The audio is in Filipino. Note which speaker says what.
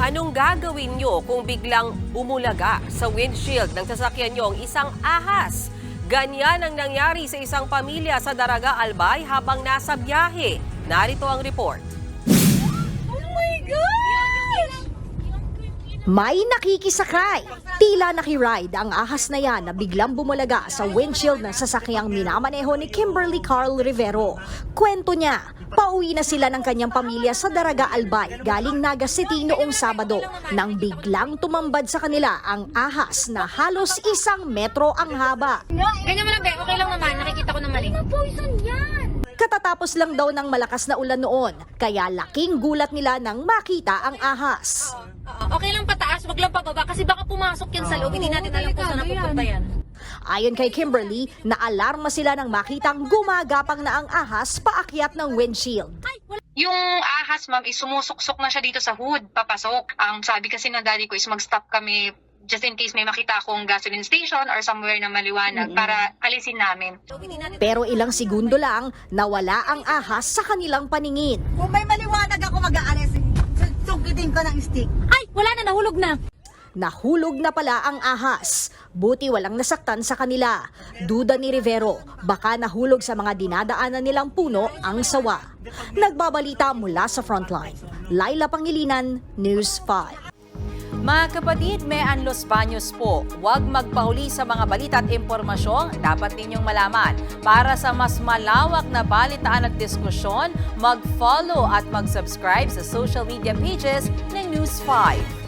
Speaker 1: Anong gagawin nyo kung biglang bumulaga sa windshield ng sasakyan nyo ang isang ahas? Ganyan ang nangyari sa isang pamilya sa Daraga, Albay habang nasa biyahe. Narito ang report.
Speaker 2: Oh my gosh!
Speaker 3: May nakikisakay. Tila nakiride ang ahas na yan na biglang bumulaga sa windshield ng sasakyang minamaneho ni Kimberly Carl Rivero. Kwento niya, pauwi na sila ng kanyang pamilya sa Daraga, Albay galing Naga City noong Sabado nang biglang tumambad sa kanila ang ahas na halos 1 metro ang haba.
Speaker 2: Ganyan mo lang, Be. Okay lang naman. Nakikita ko naman eh. Poison yan!
Speaker 3: Katatapos lang daw ng malakas na ulan noon, kaya laking gulat nila nang makita ang ahas.
Speaker 2: Okay lang pataas, wag lang pababa kasi baka pumasok yan sa loob. Hindi natin alam kung saan napupunta yan.
Speaker 3: Ayon kay Kimberly, naalarma sila nang makitang gumagapang na ang ahas paakyat ng windshield.
Speaker 4: Yung ahas, ma'am, is sumusuksok na siya dito sa hood, papasok. Ang sabi kasi ng daddy ko is mag-stop kami just in case may makita akong gasoline station or somewhere na maliwanag para alisin namin.
Speaker 3: Pero ilang segundo lang, nawala ang ahas sa kanilang paningin.
Speaker 5: Kung may maliwanag ako mag-aalis, sukitin ko ng stick.
Speaker 2: Ay, wala na, nahulog na.
Speaker 3: Nahulog na pala ang ahas. Buti walang nasaktan sa kanila. Duda ni Rivero, baka nahulog sa mga dinadaanan nilang puno ang sawa. Nagbabalita mula sa frontline. Laila Pangilinan, News 5.
Speaker 6: Mga kapatid, may Los Baños po. Huwag magpahuli sa mga balita at impormasyong dapat ninyong malaman. Para sa mas malawak na balitaan at diskusyon, mag-follow at mag-subscribe sa social media pages ng News 5.